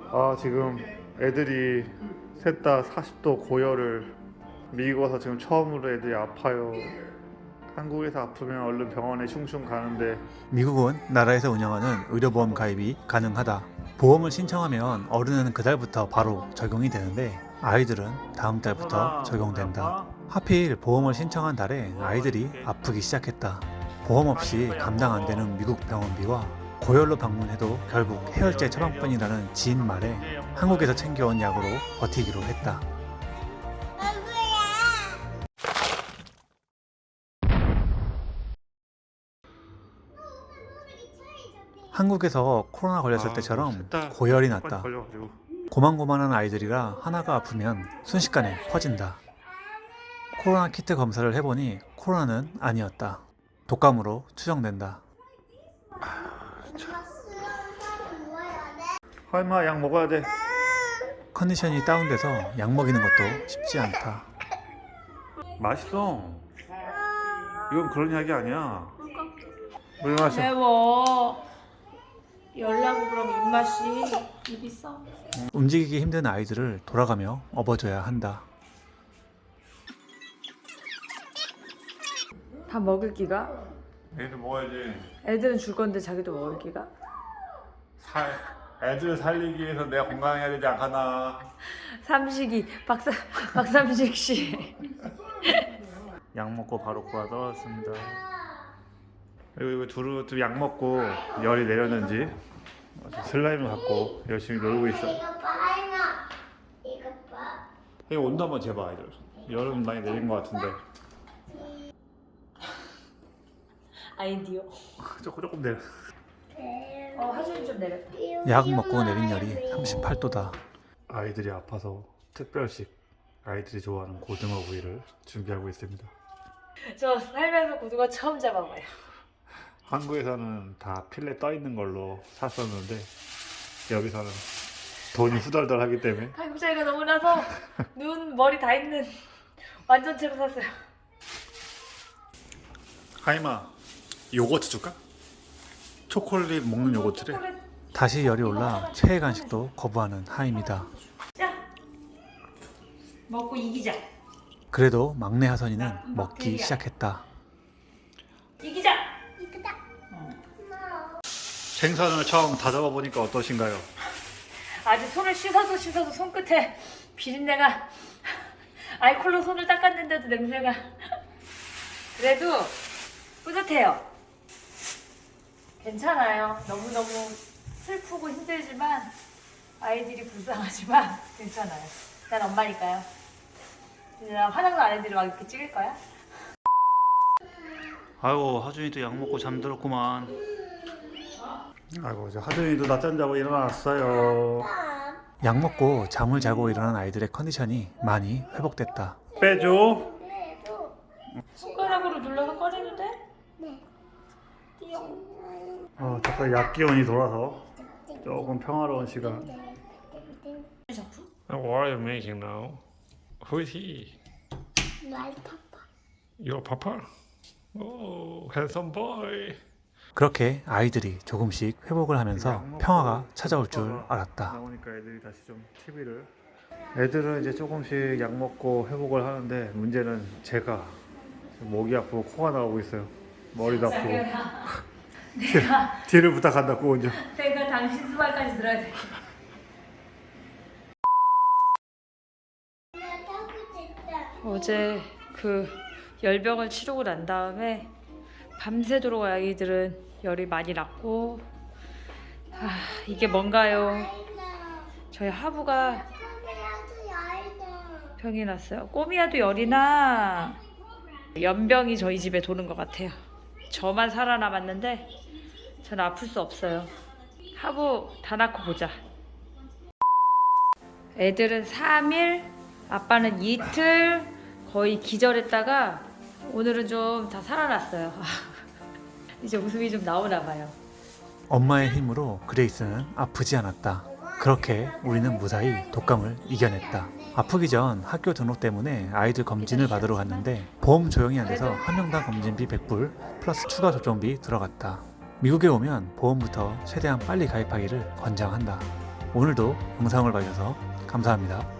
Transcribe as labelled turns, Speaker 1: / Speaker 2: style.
Speaker 1: 지금 애들이 셋 다 40도 고열을 미국 와서 지금 처음으로 애들이 아파요. 한국에서 아프면 얼른 병원에 슝슝 가는데
Speaker 2: 미국은 나라에서 운영하는 의료보험 가입이 가능하다. 보험을 신청하면 어른은 그달부터 바로 적용이 되는데 아이들은 다음 달부터 적용된다. 하필 보험을 신청한 달에 아이들이 아프기 시작했다. 보험 없이 감당 안 되는 미국 병원비와 고열로 방문해도 결국 해열제 처방뿐이라는 지인 말에 한국에서 챙겨온 약으로 버티기로 했다. 한국에서 코로나 걸렸을 때처럼 고열이 났다. 고만고만한 아이들이라 하나가 아프면 순식간에 퍼진다. 코로나 키트 검사를 해보니 코로나는 아니었다. 독감으로 추정된다.
Speaker 1: 하임아 약 먹어야 돼.
Speaker 2: 컨디션이 다운돼서 약 먹이는 것도 쉽지 않다.
Speaker 1: 맛있어. 이건 그런 약이 아니야. 물 마셔.
Speaker 3: 매워. 열나고 그럼 입맛이 입이 써.
Speaker 2: 움직이기 힘든 아이들을 돌아가며 업어줘야 한다.
Speaker 3: 다 먹을 기가?
Speaker 1: 애들 먹어야지.
Speaker 3: 애들은 줄 건데 자기도 먹을 기가?
Speaker 1: 애들 살리기 위해서 내가 건강해야 되지 않겠나.
Speaker 3: 삼식이 박삼식 씨.
Speaker 1: 약 먹고 바로 고아 떨어졌습니다. 그리고 이거 둘은 약 먹고 열이 내렸는지 슬라임을 갖고 열심히 놀고 있어.
Speaker 4: 이거 봐, 하임아. 이거 봐.
Speaker 1: 이거 온도 한번 재봐 아이들. 열은 많이 내린 것 같은데.
Speaker 3: 아이디어.
Speaker 1: 조금 내려.
Speaker 3: 하준이 좀 내렸다.
Speaker 2: 약 먹고 내린 열이 38도다.
Speaker 1: 아이들이 아파서 특별식 아이들이 좋아하는 고등어 구이를 준비하고 있습니다.
Speaker 3: 저 살면서 고등어 처음 잡아봐요.
Speaker 1: 한국에서는 다 필레 떠 있는 걸로 샀었는데 여기서는 돈이 후덜덜 하기 때문에
Speaker 3: 가격 차이가 너무 나서 눈, 머리 다 있는 완전체로 샀어요.
Speaker 1: 하임아 요거트 줄까? 초콜릿 먹는 요거트래.
Speaker 2: 다시 열이 올라 최애 간식도 거부하는 하임이다.
Speaker 3: 자, 먹고 이기자.
Speaker 2: 그래도 막내 하선이는 먹기 시작했다.
Speaker 3: 이기자.
Speaker 4: 이거다.
Speaker 1: 생선을 처음 다잡아 보니까 어떠신가요?
Speaker 3: 아직 손을 씻어도 손끝에 비린내가. 알콜로 손을 닦았는데도 냄새가. 그래도 뿌듯해요. 괜찮아요. 너무너무 슬프고 힘들지만 아이들이 불쌍하지만 괜찮아요. 난 엄마니까요. 이제 나 화장도 안 해드리고 막 이렇게 찍을 거야?
Speaker 1: 아이고 하준이도 약 먹고 잠들었구만. 아이고 이제 하준이도 낮잠 자고 일어났어요.
Speaker 2: 약 먹고 잠을 자고 일어난 아이들의 컨디션이 많이 회복됐다.
Speaker 1: 빼줘.
Speaker 3: 손가락으로 눌러서 꺼내도 돼?
Speaker 4: 네.
Speaker 3: 띠용.
Speaker 1: 잠깐 약 기운이 돌아서 조금 평화로운 시간.
Speaker 3: 작품?
Speaker 5: What are you making now? Who is he?
Speaker 4: 말 파파.
Speaker 5: Your papa? Oh, handsome boy.
Speaker 2: 그렇게 아이들이 조금씩 회복을 하면서 평화가 찾아올 줄 알았다.
Speaker 1: 나오니까 애들이 다시 좀 TV를. 애들은 이제 조금씩 약 먹고 회복을 하는데 문제는 제가 지금 목이 아프고 코가 나오고 있어요. 머리도 아프고. 뒤를 부탁한다고 먼저.
Speaker 3: 내가 당신 수발까지 들어야 돼. 어제 그 열병을 치르고 난 다음에 밤새도록 아이들은 열이 많이 났고, 이게 뭔가요? 저희 하부가 병이 났어요. 꼬미야도 열이 나. 연병이 저희 집에 도는 것 같아요. 저만 살아남았는데 저는 아플 수 없어요. 하부 다 낳고 보자. 애들은 3일, 아빠는 이틀 거의 기절했다가 오늘은 좀 다 살아났어요. 이제 웃음이 좀 나오나 봐요.
Speaker 2: 엄마의 힘으로 그레이스는 아프지 않았다. 그렇게 우리는 무사히 독감을 이겨냈다. 아프기 전 학교 등록 때문에 아이들 검진을 받으러 갔는데 보험 조용히 안 돼서 한 명당 검진비 100불 플러스 추가 접종비 들어갔다. 미국에 오면 보험부터 최대한 빨리 가입하기를 권장한다. 오늘도 영상을 봐주셔서 감사합니다.